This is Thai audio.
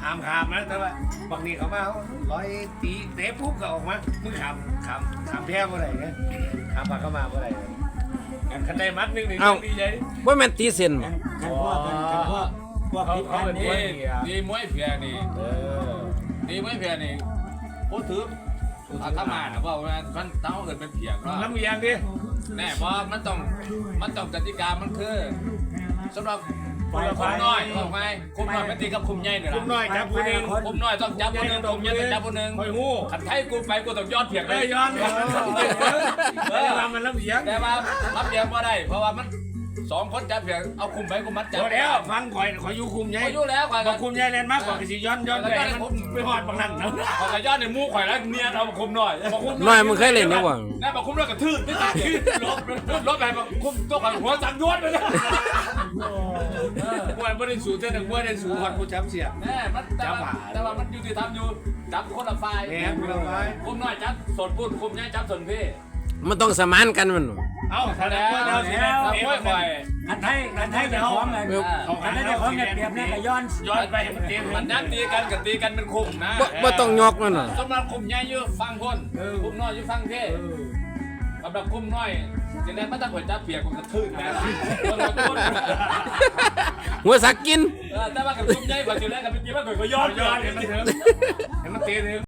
หามขามนะแต่ว่าบางนี้เขามาร้อยตีเตะปุ๊บก็ออกมามึงขามแพ้เมื่อไหร่เนี่ยขามปากเข้ามาเมื่อไหร่คันได้มัดนึงดีใจว่าแม่นตีเส้นบ่กันพวกพิษกันนี่ดีมวยเพียนี่ดีมวยเพียนี่พูดถึงอาตมานะว่ามันเต้าเกิดเป็นเพียงว่าน้ำเอียงดิแน่เพราะมันต้องกติกามันคือสำหรับคุมน้อยบอกไงคุมน้อยมันตีกับคุมใหญ่เนี่ยคุมน้อยจับผู้หนึ่งคุมน้อยต้องจับคนหนึ่งคุมใหญ่ต้องจับคนหนึ่งคอยงูขันไทยกูไปกูต้องยอดเพียงได้ย้อนมันน้ำเอียงแต่ว่ารับเพียงบ่ได้เพราะว่ามัน2 คนจับเพียงเอาคุมไปกูมัดจับพอแล้วฟังข่อยอยู่คุมใหญ่อายุแล้วข่อยบอกคุมใหญ่เล่นมากกว่าสิย้อนไปไปหอดบางนั่นนะข่อยก็ยอดในมูข่อยแล้วเนียนเอาคุมหน่อยบอกคุมน้อยมึงเคยเล่นยังบ่แน่บอกคุมแล้วกระทืบไม่ตายลบไปบอกคุมตัวข่อยหัวสั่นย้อนไปเลยมวยไม่ได้สูเท่านั้นมวยได้สูหอดผู้ช้ำเสียแน่มันแต่ว่ามันอยู่ที่ทำอยู่จับคนละฝ่ายแหมคนละฝ่ายคุมน้อยจับสดปุ่นคุมใหญ่จับสนพี่มันต้องสมานกันมันเอ้าแสดงว่าเราสิแล้วมวยข่อยกันไทยจะคล้องกันกันไทยจะคล้องกันเปรียบเนี่ยกับย้อนไปให้มันเต็มมันยันตีกันกับตีกันเป็นคุมนะบ่ต้องยกมันน่ะสำหรับคุมใหญ่อยู่ฟังคนคุมน้อยอยู่ฟังพี่สำหรับคุมน้อยจะได้ไม่ต้องข่อยจับเปียกผมกระทืบแน่หัวสักกินแต่ว่ากับคุมใหญ่กว่าจุดแรกกับเป็นตีว่าข่อยก็ย้อนย้อนเห็นมันเต็ม